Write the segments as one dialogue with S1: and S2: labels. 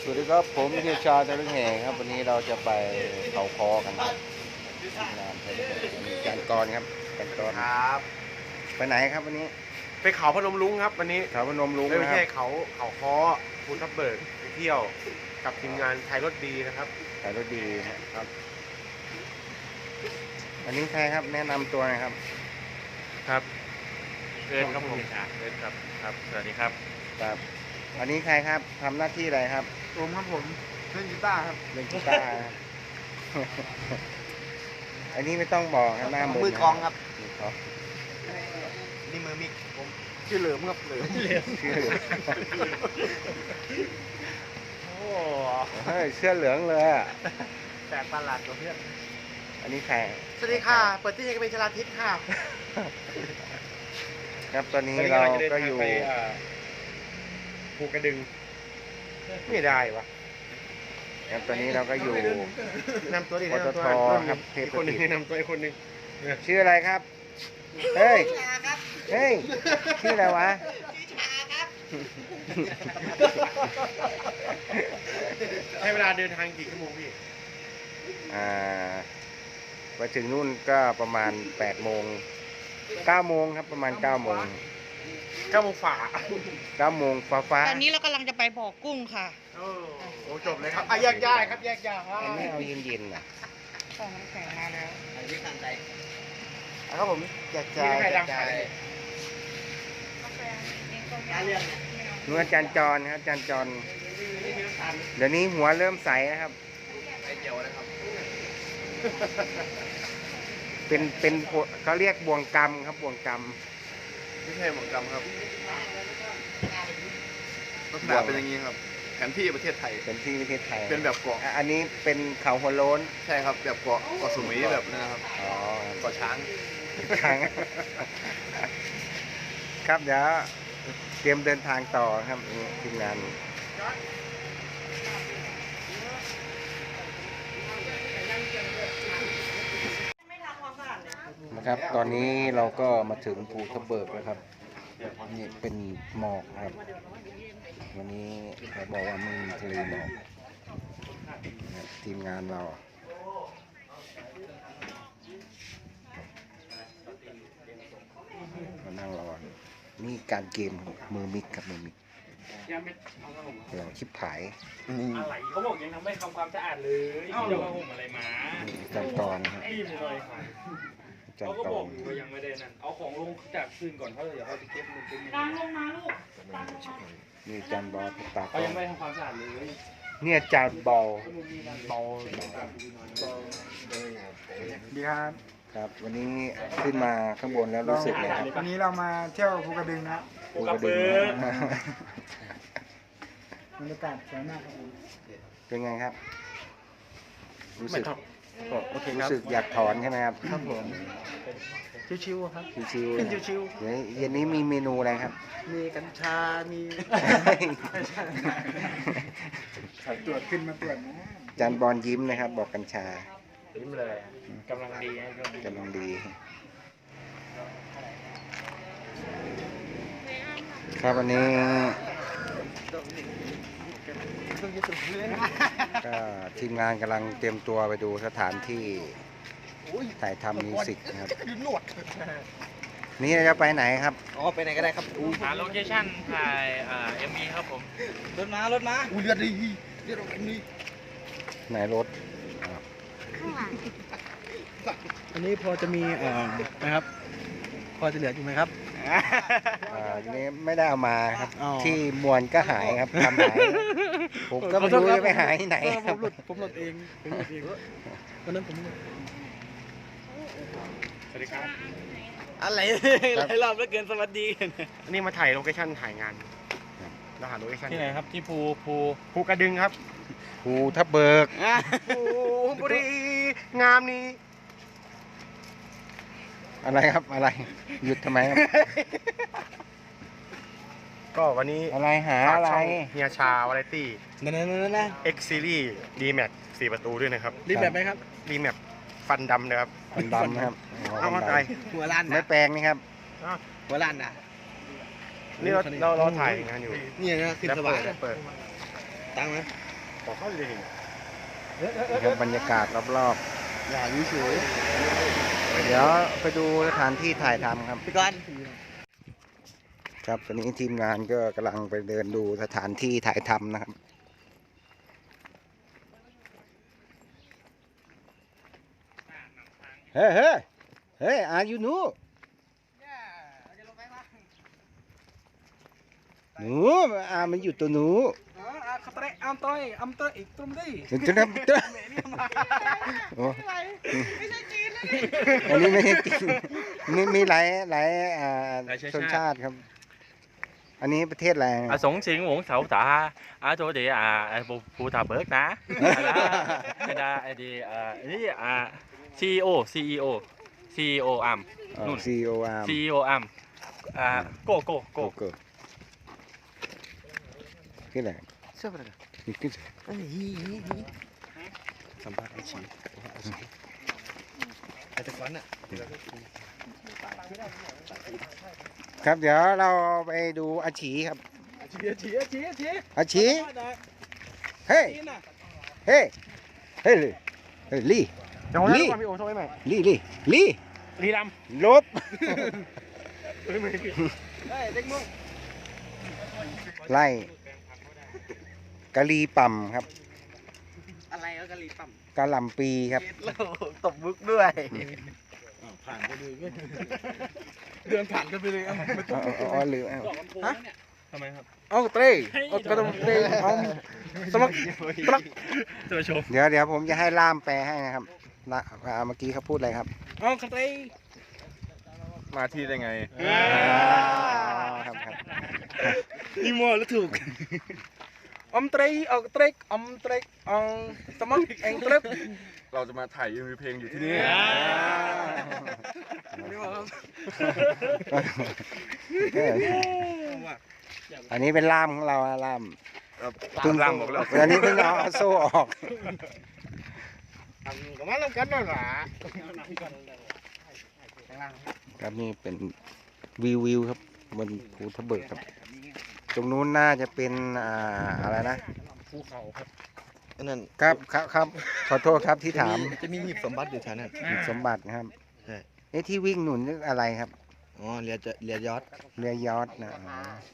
S1: สวัสดีครับผมเฮียชาตะลึงแห่ครับวันนี้เราจะไปเขาคอกันครับงานมีการกรครับการกร
S2: ครับ
S1: ไปไหนครับวันนี้
S2: ไปเขาพนมรุ้งครับวันนี้
S1: เขาพนมรุ้ง
S2: ไม่
S1: นะครับ
S2: ใช่เขาค้อภูทับเบิกไปเที่ยวกับทีมงานไทยรถดีนะครับ
S1: ขายรถดีครับอันนี้ใครครับแนะนำตัวหน่อยครับ
S2: ครับเอิญครับผมเอิญครับครับสวัสดีครับ
S1: ครับอันนี้ใครครับทำหน้าที่อะไรครับ
S2: ผมครับผมเล่นกีตาร์ครับ
S1: เล่นกีตาร์ครับ อันนี้ไม่ต้องบอกครับหน้า
S2: มือกลองครับ
S1: มือกลอง
S2: นี่มือมิกผมชื่อเหลิมครับเหลิม
S1: ชื่อ
S2: โอ้
S1: เฮ้ยเสื้อเหลืองเลยอะ
S2: แปลกประหลาดกว่าเพื่อน
S1: อันนี้ใคร
S2: สวัสดีค่ะเปิดที่ให้เป็นชลาทิศค่ะ
S1: ครับตอนนี้เราก็อยู่
S2: ภูกระดึงไม่ได้วะ
S1: ครับตอนนี้เราก็อยู่
S2: นำตัวดิ
S1: ปตทครับเทพ
S2: อีกคนหนึ่ง
S1: สถิต
S2: นำตัวอีกคนหนึ่ง
S1: ชื่ออะไรครับ เฮ้ย เฮ้ย ชื่ออะไรวะ
S2: ใช้เวลาเดินทางกี่ชั่วโมงพี่
S1: ไปถึงนู่นก็ประมาณ8 โมง 9 โมงครับประมาณ 9 โมง
S2: 9 โมงฝ่า
S1: 9 โมงฟ้า
S3: ตอนนี้เรากำลังจะไปบ่อกุ้งค่ะ
S2: โอ้จบเลยครับแยกย้ายครับแยกย้าย
S1: อันนี้เอาเย็นๆนะ
S3: ของน้ำแข็งมาแล้ว
S2: ครับผมแยกย้ายแยกย้าย
S1: นู่นอาจารย์จรครับอาจารย์จรเดี๋ยวนี้หัวเริ่มใสนะครับ
S2: ไอเจียวนะครับ
S1: เป็นเขาเรียกบ่วงกรรมครับบ่วงกรรม
S4: ไม่ใช่หมวกกำครับลักษณะเป็นอย่างนี้ครับแผนที่ประเทศไทย
S1: เป็นที่ประเทศไทย
S4: เป็นแบบเกาะ
S1: อันนี้เป็นเขาหัวโล้น
S4: ใช่ครับแบบเกาะสมุยแบบนี้นะครับ
S1: อ๋อ
S4: เกาะช้าง
S1: ครั้ง ครับเดี๋ยวเตรียมเดินทางต่อครับทีมงานนะครับ ตอนนี้เราก็มาถึงภูทับเบิกแล้วครับนี่เป็นหมอกครับ วันนี้เขาบอกว่าไม่มีทะเลหมอกนะครับทีมงานเรามานั่งรอนี่การเกมครับมือมิกครับมือมิกเราชิบหาย
S5: อะไรเขาบอกยังทำไม่ทำความสะอาดเลยเขาจะมาห่มอะไรมา
S1: จำตอนครับ
S5: รีบเลยค่ะเขา
S1: จำ
S5: ก็
S1: ต
S5: บ
S1: อ
S5: อน กว่ายังไม่ได้นั่น เอาของลงจากคืนก่อนเขาเดี๋ยวเขาจะเก็บมันเป็น
S3: ตามลงมาลูก
S1: นี่จานบอลตาก
S5: เขา
S1: ล้อ
S5: ยัง งไม่ทำความสะอาดเลย
S1: เนี่ยจานบอล
S2: เบาดีครับ
S1: ครับ วันนี้ขึ้นมาข้างบนแล้วรู้สึกไงครับ
S2: วันนี้เรามาเที่ยวภูกระดึงนะ
S1: ภูกระดึงนะ
S2: บรรยากาศสวยมากครับผม
S1: เป็นไงครับ รู้สึก
S2: โอเคค
S1: รู้
S2: รับ
S1: สึกอยากถอนใช่ไหมครับ
S2: ครับผมชิวๆครับ
S1: ชิว
S2: ขึ้น
S1: ๆ
S2: ชิว
S1: เดี๋ยวเย็นนี้มีเมนูอะไรครับ
S2: ๆมีกัญชา มีสายตรวจขึ้นมาตรวจนะ
S1: จานบอลยิ้มนะครับ บอกกัญชา
S5: ยิ้มเลยกำลังดีนะ
S1: กำลังดี ครับวันนี้ก็ทีมงานกำลังเตรียมตัวไปดูสถานที่ถ่ายทำมิวสิกนะครับ นี่เราจะไปไหนครับ
S2: อ๋อไปไหนก็ได้ครับ
S5: หาโลเคชั่นถ่ายMV ครับผม
S2: รถมาอู้เลือดดีเลือดดี
S1: ไหนรถ
S2: อันนี้พอจะมีนะครับ พอจะเหลืออยู่ไหมครับ
S1: นี่ไม่ได้เอามาครับ
S2: อ๋อ
S1: ที่มวลก็หายครับทำหาย ผมก็ไม่รู้จะไปหายที่ไหนครับ
S2: ผมหลุดเองวันนั้นผมหลุด
S5: สวัสดีครับ
S2: อะไรหลายรอบแล้วเกินสวัสดี
S5: อันนี้มาถ่ายโลเคชั่นถ่ายงานเราหาโลเคชั่น
S2: ที่ไหนครับที่ภู
S5: ภูกระดึงครับ
S1: ภูทับเบิก
S5: ภูบุรีงามนี้
S1: อะไรครับอะไร หยุดทำไมครับ
S5: ก็วันนี้
S1: อะไรหา
S5: ฝาก
S1: อะไร
S5: ช่องเฮียชาวาไรตี้
S2: นั่น
S5: X Series D Max 4 ประตูด้วยนะครับ
S2: รีบแบบไหมครับ
S5: D Max ฟันดำนะครับ
S1: มันดำนะครับ
S5: เอามา
S1: ดำ
S5: ถ่าย
S2: หัวล้าน
S1: ไม่
S2: นะ
S1: แปลงนี่ครับ
S2: หัวล้านนะ
S5: นี่เราถ่ายงานอยู่
S2: นี่นะขึ้น
S5: แล้ว
S2: ส
S5: เปิ
S2: บา
S5: ด
S2: ย
S5: แล้วเปิด
S2: ตังค์ไหมขอเข้าเลย
S1: นี่ครับบรรยากาศรอบ
S4: อย่ายุ่งเฉย
S1: ๆเดี๋ยวไปดูสถานที่ถ่ายทำครับ
S3: พี่ก้อน
S1: ครับตอนนี้ทีมงานก็กำลังไปเดินดูสถานที่ถ่ายทำนะครับเฮ้ยเฮ้ยเฮ้ยอายุหนูหนูมันอยู่ตัวหนู
S5: ขับเตะอัมต้อยอีกตรงนี้
S1: เดี๋ยวจะทำตัวโอ้
S3: ไม่ใช่จีนนะนี่
S1: อันนี้ไม่ใช่จริงมีหลายชนชาติครับ อันนี้ประเทศอะไร
S6: สงสิงหวงเสาตาchỗ địa phụ thà bớt náไอ้ดีนี่CEO อัม นู่น
S1: CEO Arm
S6: CEO อัมโก
S1: โกขึ้นไหนขึ้นสัมภาษณ์ไอชี
S4: ไอ้ตะก้อนอ่ะ
S1: ครับเดี๋ยวเราไปดูอาชีครับอาชีเฮ้ยเฮ้ยเฮ้ยลี่
S2: จังหวะนี้พี่โอโซ่ไหม
S1: ลี่
S5: ลีด
S1: ลบไล่กะลีปั่มครับ
S3: อะไรเอากะหรี่ปั๊ม
S1: กะหล่ำปีครับ
S3: ตบมุกด้วย
S4: ผ่านไปเลยเดินผ่านกันไปเลย
S1: อ๋อลืม
S5: ำดอกลำโพงเนี่ย
S6: ทำไมครับ
S2: เอาเต้เอากระดมเต้เอาสมัคร
S6: ตัวชม
S1: เดี๋ยวผมจะให้ล่ามแปลให้นะครับเมื่อกี้เขาพูดอะไรครับ
S2: เอากระเต้
S4: มาที่ได้ไง
S1: ครับ
S2: นี่มัวแล้วถูกอมเต้เอาเต้อมเต้เอาสมัครเองเต้
S4: เราจะมาถ่ายมีเพลงอยู่ที่นี่
S1: อันนี้เป็นล่ามของเราล่าม
S4: ล่ามบอกแล้ว
S1: อันนี้เพิ่งเอาโซ่ออก
S2: ก็มาลงกันนั่นแหละ
S1: ครับนี่เป็นวิวครับบนภูทับเบิกครับ ตรงนู้นน่าจะเป็นอะไรนะ
S2: ภูเขาครับ
S4: นั่น
S1: ครับขอโทษครับที่ถาม
S4: จะมีหีบสมบัติอยู่แถวนั้น
S1: สมบัตินะครับ
S4: ใช่
S1: ที่วิ่งหนุนนี่อะไรครับ
S4: อ๋อเรือยอด
S1: เรือยอชต์นะ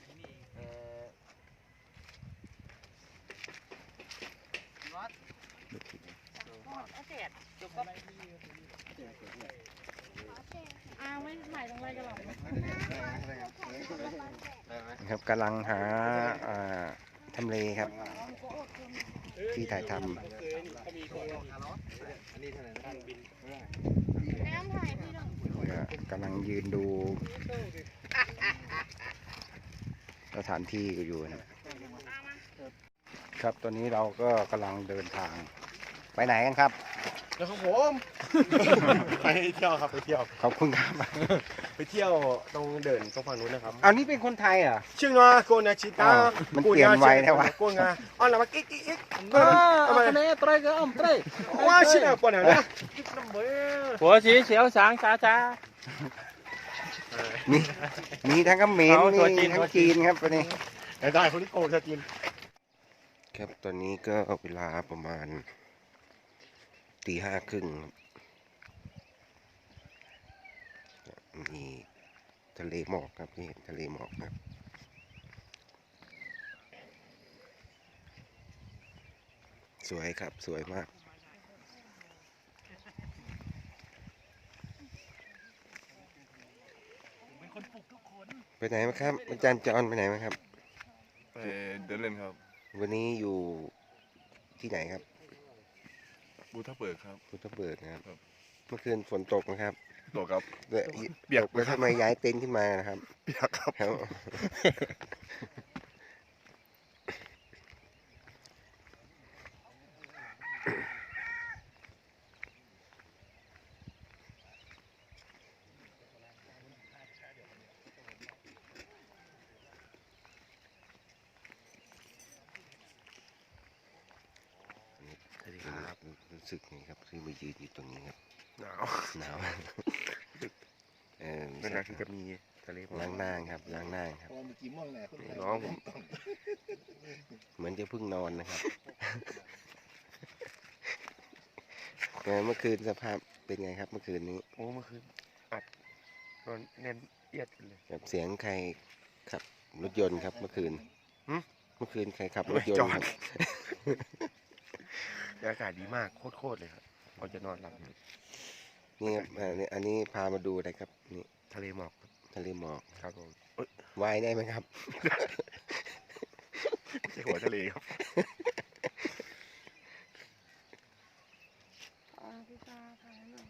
S3: ไม่หมายถึงอะไรกันหรอ
S1: ครับกำลังหาทำเลครับ ที่ถ่ายทำกำลังยืนดูสถานที่อยู่นะครับตอนนี้เราก็กำลังเดินทางไปไหนกันครับ
S2: แล้วของผม ไปเที่ยวครับไปเที่ยว
S1: ขอบคุณครับ
S2: ไปเที่ยวตรงเดินตรงฝั่งนู้นนะครับ
S1: เอานี่เป็นคนไทยเหรอ
S2: ชื่องาโกนาชิตา
S1: มันเปลี่ยนไวนะวะ
S2: โกงาอ๋อแล้วมากิ๊กทำไม
S5: เตะเตะก็อ้อมเตะ
S2: ว่าชื่อปนนะ
S6: หัวสีเขียวสางจ้า
S1: มีทั้งเขมร
S6: เอาตัวจี
S1: มี
S6: น
S1: ทั้งจีนครับวันนี้
S2: ได้คนที่โกงชาจีน
S1: ครับตอนนี้ก็เวลาประมาณตี 5:30มีทะเลหมอกครับนี่ทะเลหมอกครับสวยครับสวยมากไปไหนมาครับอาจารย์จอนไปไหนมาครับ
S4: ไปเดินเล่นครับ
S1: วันนี้อยู่ที่ไหนครับ
S4: บูทับเบิกครับ
S1: พุทธเบิกนะครับ
S4: ครับ
S1: เมื่อคืนฝนตกนะครับ
S4: ตกครับ
S1: เปียก
S4: เปียก
S1: แล้วทำไมย้ายเต็นท์ขึ้นมานะครับ
S4: เปียกครับ
S1: แล้วรู้สึกไงครับที่มายืนอยู่ตรงนี้ครับ
S4: หนาว
S1: หนาว
S4: เป็นอะไรที่จะมี
S1: ททะเลล้างหน้าครับล้างหน้าครับ
S4: พอมีกี่ม่วงแหละ
S1: นี่น้องผมเหมือนจะเพิ่งนอนนะครับ เมื่อคืนสภาพเป็นไงครับเมื่อคืนนี้
S2: โอ้เมื่อคืนอัดนอนแน่นเอียดเลย
S1: กับเสียงใครขับรถยนต์ครับเมื่อคืน
S2: หึ
S1: เมื่อคืนใครขับรถยน
S2: จ
S1: ต์
S2: อ
S1: ค
S2: ด
S1: รับ
S2: อากาศดีมากโคตรเลยครับพอจะนอนหลับอยู่
S1: นี่ครับอันนี้พามาดูอะไรครับนี่
S2: ทะเลหมอกครับ
S1: ทะเลหมอก
S2: ครับผม
S1: ว่ายได้ไหมครับ
S2: ไม่ใช่หัวทะเลครับ
S3: พี่ตาถ่ายหน่อย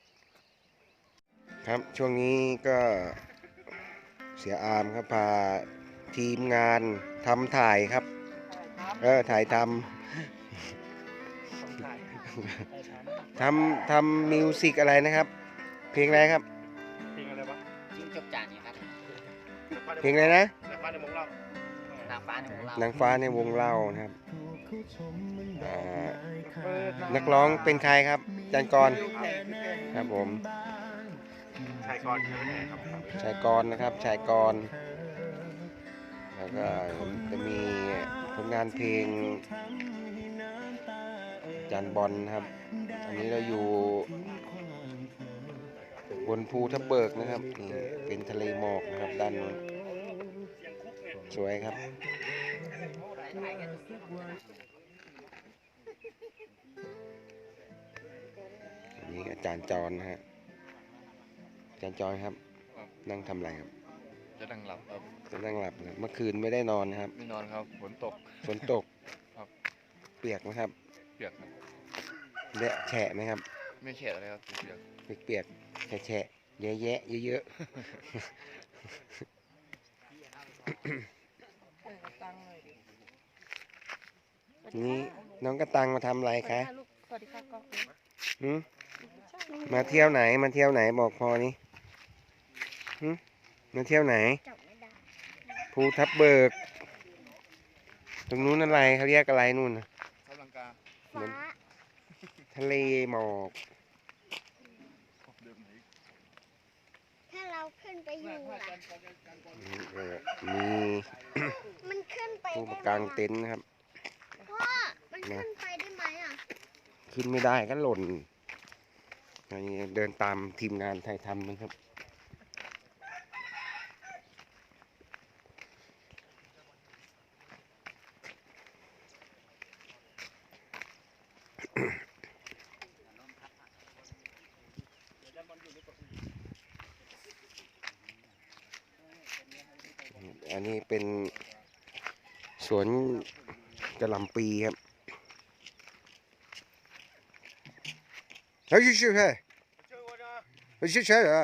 S1: ครับช่วงนี้ก็เสียอามครับพาทีมงานทำถ่ายครับถ่ายทำมิวสิกอะไรนะครับ เพลงอะไรครับ
S5: เพลงอะไรวะ
S3: จิ้งจกจานเนี่ยครับ
S1: เพลงอะไรนะ
S5: แต่ฟ้าในมงเรา
S3: นางฟ้าในของเรา
S1: นางฟ้าในวงเล่านะครับอ่านักร้องเป็นใครครับจันกรครับผม
S2: ชายกรใช่ไหมครับ
S1: ชายกรนะครับชายกรแล้วก็จะมีผลงานเพลงจันบอลนะครับ อันนี้เราอยู่บนภูทับเบิกนะครับนี่เป็นทะเลหมอกนะครับด้านนู้นสวยครับอันนี้อาจารย์จรนะฮะอาจารย์จรครับนั่งทำอะไรครับ
S2: จะนั่งหลับครับ
S1: จะนั่งหลับนะเมื่อคืนไม่ได้นอนนะครับ
S2: ไม่นอนครับฝนตก
S1: ฝนตก
S2: ครับ
S1: เปียกไหมครับ
S2: เปียกครับ
S1: เละแฉะไหมครับ
S2: ไม่เข็ดอะไรครับเปียก
S1: เปียกๆแฉะๆแยะๆเยอะ
S3: ตังเลยดิ
S1: ๆนี่น้องกระตังมาทำอะไรคะ
S3: สวัสดีค่ะกล้อง
S1: หืมมาเที่ยวไหนมาเที่ยวไหนบอกพอนี่หืมมาเที่ยวไหน
S3: จับไม่ได้
S1: ภูทับเบิก ตรงนู้นอะไรเขาเรียกอะไรนู่นน่ะ
S2: กำลังกา
S1: เหมือนทะเลหมอก
S2: เดิมไหน
S7: ถ้าเราขึ้นไปอยู่ล่ะ
S1: มี
S7: มันขึ้นไป
S1: ผู้
S7: ได้
S1: กาง
S7: ไหม
S1: เต็นท์นะครับ
S7: พ่อ มันขึ้นไปได้ไหมอ่ะ
S1: ขึ้นไม่ได้ก็หล่นอันนี้เดินตามทีมงานไทยทำนะครับ อันนี้เป็นสวนกระหล่ำปีครับเฮ้ยชื่อใช่เฮ้ยชื่อใช่เหรอ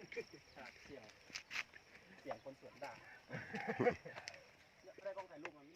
S5: เสียงคนสวนด่าได้กล้องถ่ายรูปมัน